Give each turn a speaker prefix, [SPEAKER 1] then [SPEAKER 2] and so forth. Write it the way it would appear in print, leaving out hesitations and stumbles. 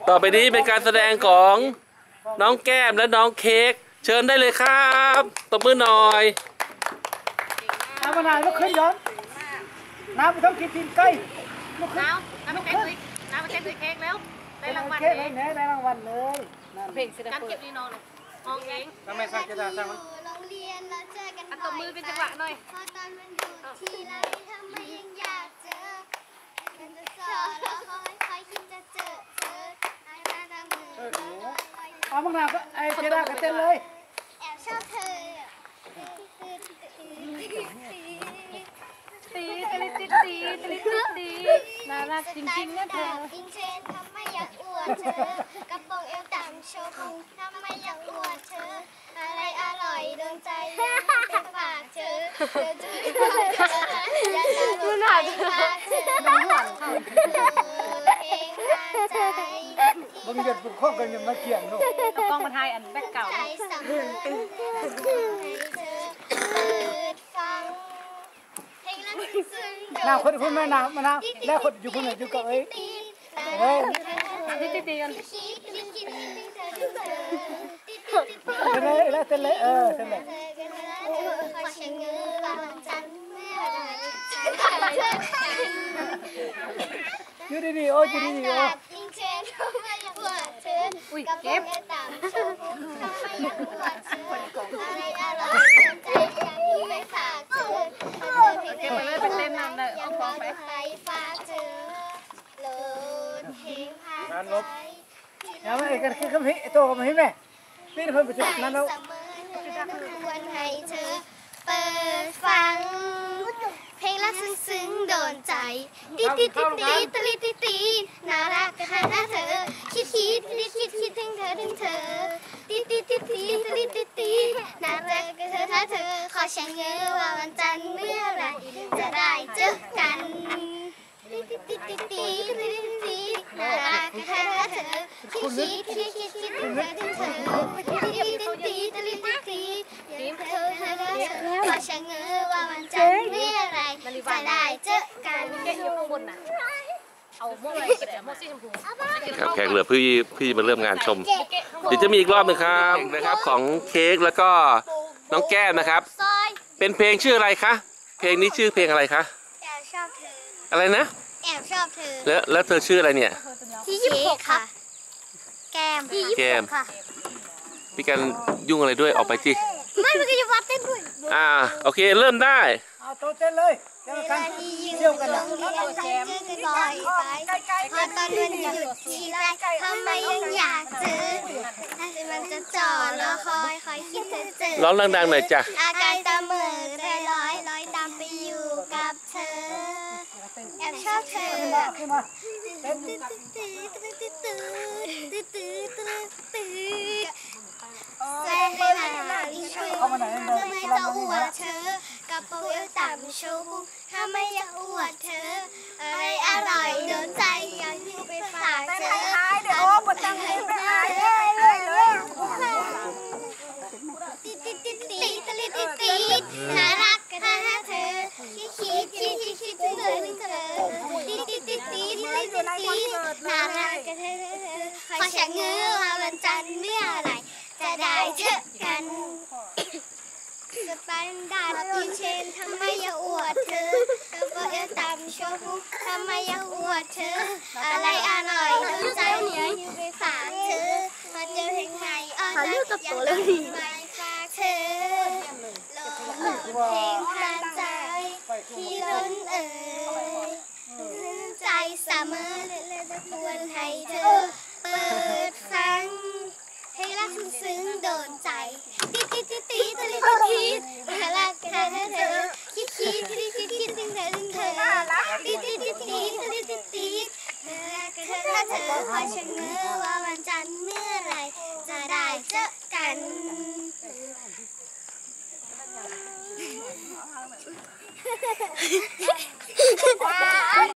[SPEAKER 1] ต่อไปนี้เป็นการแสดงของน้องแก้มและน้องเค้กเชิญได้เลยครับตบมือหน่อย
[SPEAKER 2] น้ำมะนาวลุกขึ้นย้อนน้ำไปต้องกินใกล้ลุกขึ้น
[SPEAKER 3] น้ำไปแก้คุยเค้กแล้วได้รางวัลเลย
[SPEAKER 2] ได้รางวัลเลย
[SPEAKER 3] เพลงการเก็บนี่นอนห้องเอง
[SPEAKER 2] ทำไมสร้างจะได้สร้างมัน
[SPEAKER 3] อันตบมือเป็นจังหวะหน่อย
[SPEAKER 4] พอตอนมันอยู่ที่ไรทำไมยังอยากเจอมันจะสอนแล้วคอยคิดจะเจอไอ้มาทำมือ
[SPEAKER 2] เอามะนาวก็ไอ้เจด้าก็เต้นเลย
[SPEAKER 4] แอบชอบเธอ
[SPEAKER 3] ตีน่ารักจริงๆนะเธอ
[SPEAKER 4] อิงเชนทำไมอยากอวดเธอกระโปรงเอวต่ำโชว์พุงทำไมอยากอวดเธออะไรอร่อยโดนใจเป็นฝากเธอจะไม่ฝากเธออย่าตาลุกไปฝากเธอเพลงทางใจ
[SPEAKER 2] บางเดือนข้อกันยังมาเกี่ยงลูก
[SPEAKER 3] กล้องมาถ่ายอันแบ็คเก่า
[SPEAKER 4] ใจสั่งให้เธอเปิดฟังเพลงรักซึ้ง
[SPEAKER 2] น้าคนแม่น้ำมะนาวแล้วคนอยู่คนไหนอยู่กับเอ้ย
[SPEAKER 3] ตีกัน
[SPEAKER 2] เต้นเลยเต้นเลยอยู่ดีๆโอ้อยู่ดีๆโอ้
[SPEAKER 3] อุ้ยเก็บไปเลยไปเต้นนั่นเลยเอาของไป
[SPEAKER 2] งานลบยังไม่กันคือคำพิโตคำพิแม่นี่เพิ่มไปจุดนั้นแล้ว
[SPEAKER 4] ควรให้เธอเปิดฟังเพลงรักซึ้งโดนใจตีน่ารักกันนะเธอคิดถึงเธอตีน่ารักกันนะเธอขอฉันเงื้อว่าวันจันทร์เมื่อไรจะได้เจอกันน่ารักกันนะเธอคิดถึงเธอขอฉันเงื้อว่าวันจันทร์เมื่อไรจะได้เจอกัน
[SPEAKER 3] เก็บอยู่ข้างบนน่ะเอาโม่อะไรก็ได้โม่สีชมพู
[SPEAKER 1] ครับแขกเหลือพี่มาเริ่มงานชมเดี๋ยวจะมีอีกรอบหนึ่งครับนะครับของเค้กแล้วก็น้องแก้มนะครับเป็นเพลงชื่ออะไรคะเพลงนี้ชื่อเพลงอะไรคะ
[SPEAKER 4] แอบชอบเธอ
[SPEAKER 1] อะไรนะ
[SPEAKER 4] แอบชอบเธอ
[SPEAKER 1] แล้วเธอชื่ออะไรเนี่ย
[SPEAKER 4] ที่26ค่ะแก้มค่ะ
[SPEAKER 1] พี่กันยุ่งอะไรด้วยออกไปที่
[SPEAKER 4] ไม่มันก็จะวัดเต้นด้วย
[SPEAKER 1] โอเคเริ่มได้
[SPEAKER 2] เอาโตเต้นเลยเที่ยวกันนะ
[SPEAKER 4] ลอยไปพอตอนมันหยุดทีไรทำไมยังอยากเจอถ้ามันจะจ่อแล้วคอยคิดเจอ
[SPEAKER 1] ร้องดังๆหน่อยจ้ะ
[SPEAKER 4] อาการตาเหม่อใจลอยตามไปอยู่กับเธอแอบชอบเธอแซ่ให้มาช่วยทำไมจะอวดเธอกระโปรงเอวต่ำโชว์ทำไมอยากอวดเธออะไรอร่อยโดนใจอยากอยู่ไปฝากเธอเดี๋ยวปวดตังเลยไปอายเลยน่ารักกันนะเธอคิดถึงเธอน่ารักกันเธอขอฉันเงื้อว่าวันจันทร์เมื่อไรจะได้เจอกันสแตนดาร์ดอินเชนทำไมอยากอวดเธอกระโปรงเอวต่ำโชว์พุงทำไมอยากอวดเธออะไรอร่อยโดนใจเนี่ยอยู่ไปฝากเธอมาเจอเพลงใหม่อ้อนรักอยากไปฝากเธอเพลงไท